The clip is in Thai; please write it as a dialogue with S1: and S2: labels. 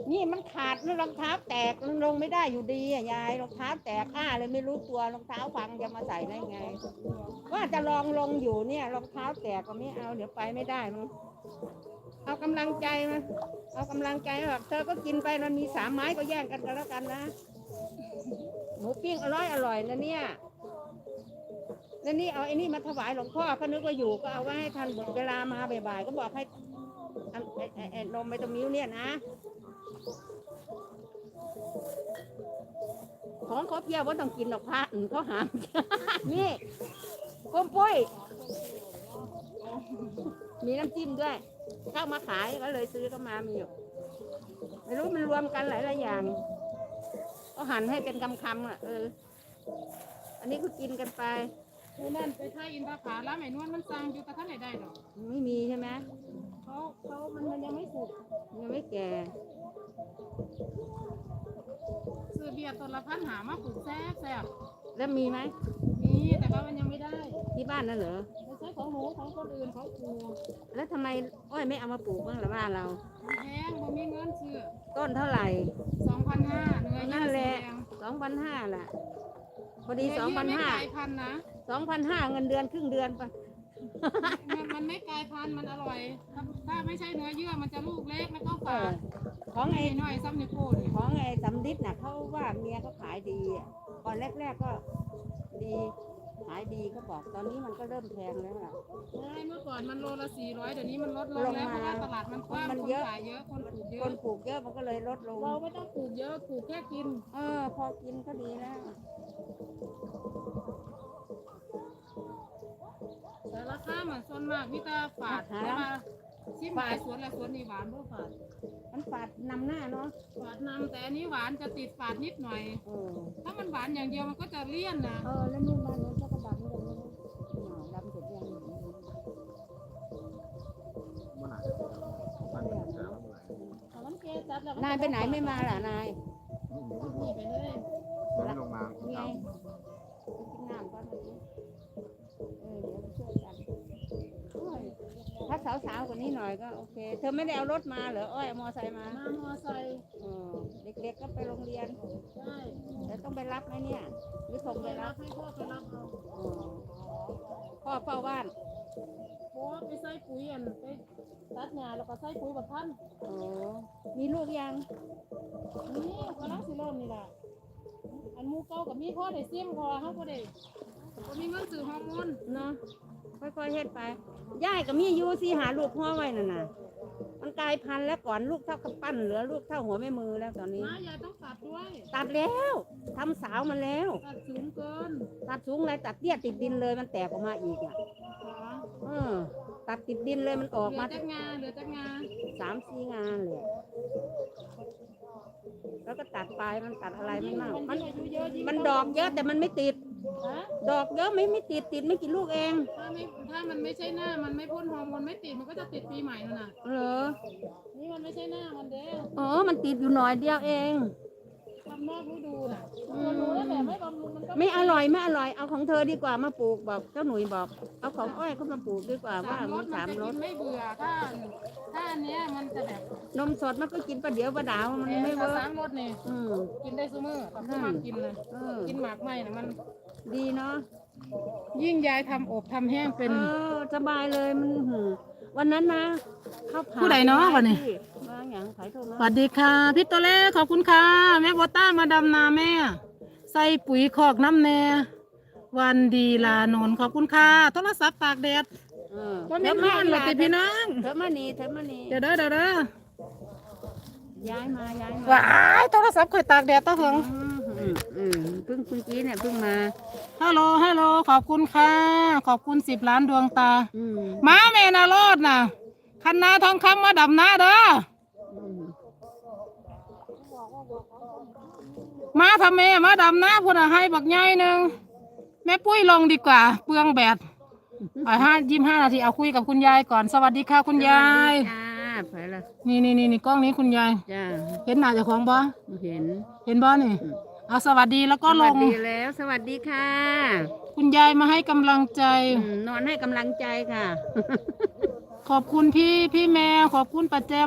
S1: นี่มันขาดนี่รองเท้าแตกมันลงไม่ได้อยู่ดีอ่ะยายรองเท้าแตกเลยไม่รู้ตัวรองเท้าพังจะมาใส่ได้ไงว่าจะลองลงอยู่เนี่ยรองเท้าแตกก็ไม่เอาเดี๋ยวไปไม่ได้มั้งเอากำลังใจมาเอากำลังใจแบบเธอก็กินไปมันมี3 ไม้ก็แย่งกันแล้วกันนะหมูปิ้งอร่อยนะเนี่ยแล้วนี่เอาไอ้นี่มาถวายหลวงพ่อเขานึกว่าอยู่ก็เอาไว้ให้ทันเวลามาบ่ายๆก็บอกให้นมไปตรงนิ้วเนี่ยนะของเขาเพี้ยวว่าต้องกินดอกพระเขาหาม นี่ก้มปุ้ยมีน้ำจิ้มด้วยเข้ามาขายก็เลยซื้อเข้ามามีอยู่ไม่รู้มันรวมกันหลายอย่างเขาหั่นให้เป็นคำอ่ะอันนี้ก็กินกันไป
S2: นั่นไปท่าอินทผาแล้วไอ้นวลมันสั่งอยู่กับท่านไหนได้หรอ
S1: ไม่มีใช่ไหม
S2: มันยังไม่สุก
S1: ยังไม่แก่
S2: ซื้อเบียร์ต้นละ1,000หามาปลูกแซ่บ
S1: แล้วมีไหม
S2: มีแต่ว่ามันยังไม่ได้
S1: ที่บ้านนั่นเหรอ
S2: ไม่ใช่ของหนูของคนอื่นเขาปลูก
S1: แล้วทำไมอ้อยไม่เอามาปลูกบ้างล่ะบ้านเรา
S2: แพงบ่มีเงินซื้อ
S1: ต้นเท่าไหร่
S2: 2,500เนื้อ
S1: นั่นแหละ2,500ล่ะพอดี2,500
S2: นะ
S1: 2,500เงินเดือนครึ่งเดือนไป
S2: มันไม่กลายพันธุ์มันอร่อยถ้าไม่ใช่เนื้อเยื่อมันจะลูกเล็กแล้วก็ฝาด
S1: ของไอ้
S2: หน่อยซ้ำนิ้วโป้ง
S1: ของไอ้สำลิดน่ะเขาว่าเมียเขาขายดีก่อนแรกๆก็ดีขายดีเขาบอกตอนนี้มันก็เริ่มแพงแล้วล่ะ
S2: ใช่เมื่อก่อนมันโลละ400เดี๋ยวนี้มันลดลงแล้วเพราะว่าตลาดมันกว้างคนขายเยอะคนปลูกเยอะ
S1: คนปลูกเยอะมันก็เลยลดลง
S2: เราไม่ต้องปลูกเยอะปลูกแค่กิน
S1: พอกินก็ดีแล้ว
S2: แต่ราคาเหมือนส่วนมากมิตรฝาดใช่ไหมชิมหายสวนละสวนนี่หวานเพราะฝาด
S1: มันฝาดนำหน้าเนาะ
S2: ฝาดนำแต่อันนี้หวานจะติดฝาดนิดหน่อยถ้ามันหวานอย่างเดียวมันก็จะเลี่ยนนะ
S1: แล้วนู่นบ้านนู้นก็ดำเลยดำสุดยังนายไปไหนไม่มาล่ะนาย
S2: นี่ไปเลย
S3: ไม่ลงมา
S1: ไงกินน้ำก่อนเดี๋ยวช่วยกันถ้าสาวๆกว่านี้หน่อยก็โอเคเธอไม่ได้เอารถมาเหรออ้อยเอามอไซค์มาม
S2: อไซค์
S1: เด็กๆก็ไปโรงเรียน
S2: ใช่
S1: แต่ต้องไปรับไหมเนี่ยหรือส่งไปรับ
S2: ให้พ่อไปรับเอา
S1: พ่อเฝ้าบ้าน
S2: พ่อไปใส่ปุ๋ยไปตัดหญ้าแล้วก็ใส่ปุ๋ยแบบพัน
S1: มีลูกยัง
S2: นี่กำลังสิเริ่มนี่แหละอันมูเก่ากับมีพ่อได้เสี่ยมพอเขาก็ได้ก็มีเงินซื้อฮอร์โมน
S1: เนาะค่อยๆเฮ็ดไปย่ายกับมีอยู่สิหาลูกพ่อไว้น่ะนะมันกลายพันธุ์แล้วก่อนลูกเท่ากำปั้นเหลือลูกเท่าหัวแม่มือแล้วตอนนี้
S2: ยายต้องตัดด้วย
S1: ตัดแล้วทำสาวมาแล้ว
S2: ตัดสูงเกิน
S1: ตัดสูงอะไรตัดเตี้ยติดดินเลยมันแตกออกมาอีกตัดติดดินเลยมันออกมา
S2: เหลือจักงา
S1: 3-4 งานเลยแล้วก็ตัดปลายมันตัดอะไรไม่มากมันดอกเยอะแต่มันไม่ติดดอกเยอะไม่ติดไม่กี่ลูกเอง
S2: ถ้ามันไม่ใช่หน้ามันไม่พ่นฮอร์โมนไม่ติดมันก็จะติดปีใหม่นั่นน่ะ
S1: เหรอ
S2: นี่มันไม่ใช่หน้ามันเด้
S1: มันติดอยู่หน่อยเดียวเอง
S2: ทำนอกฤดูน่ะดูแล้วแบบไม่บำรุงมันก็
S1: ไม่อร่อยเอาของเธอดีกว่ามาปลูกบอกเจ้าหนุ่ยบอกเอาของอ้อยเขามาปลูกดีกว่าว่า
S2: มัน3 รสไม่เบื่อถ้าอันเนี้ยมันจะแบบ
S1: นมสดมันก็กินประเดี๋ยวประดาวมันไม่เวิร์ก
S2: 3 รสนี่กินได้ซุมื้อต้องมากินเลยกินหมากไหมเนี่ยมัน
S1: ดีเนาะ
S2: ยิ่งยายทำอบทำแห้งเป็น
S1: สบายเลยมันวันนั้นนะ
S2: ผู้ใดเนาะวันนี้สวัสดีค่ะพี่ตัวเล็กขอบคุณค่ะแม่โบต้ามาดำนาแม่ใส่ปุ๋ยคอกน้ำแน่วันดีลานนขอบคุณค่ะโทรศัพท์ตากแดดว่าไม่ร้อนเลยพี่น้อง
S1: เธอมานี่
S2: เดี๋ยว
S1: ย้ายมา
S2: ว้ายโทรศัพท์คอยตากแดดตะเหิง
S1: เพิ่งกี้เนี่ยเพิ่งมา
S2: ฮัลโหลขอบคุณค่ะขอบคุณ10 ล้านดวงตาม้าแม่นารอดน่ะคันนาทองคำมาดำนาเด้อมาทำแม่มาดำนาพูดให้บักใหญ่หนึ่งแม่ปุ้ยลงดีกว่าเปลืองแบต25 นาทีเอาคุยกับคุณยายก่อนสวัสดีค่ะคุณยายนี่กล้องนี้คุณยายเห็นหน้าเจ้าของบ่เห็นบ่นี่เอาสวัสดีแล้วก็ลง
S1: สวัสดีแล้วสวัสดีค่ะ
S2: คุณยายมาให้กำลังใจ
S1: นอนให้กำลังใจค่ะ
S2: ขอบคุณพี่แมวขอบคุณป้าแจ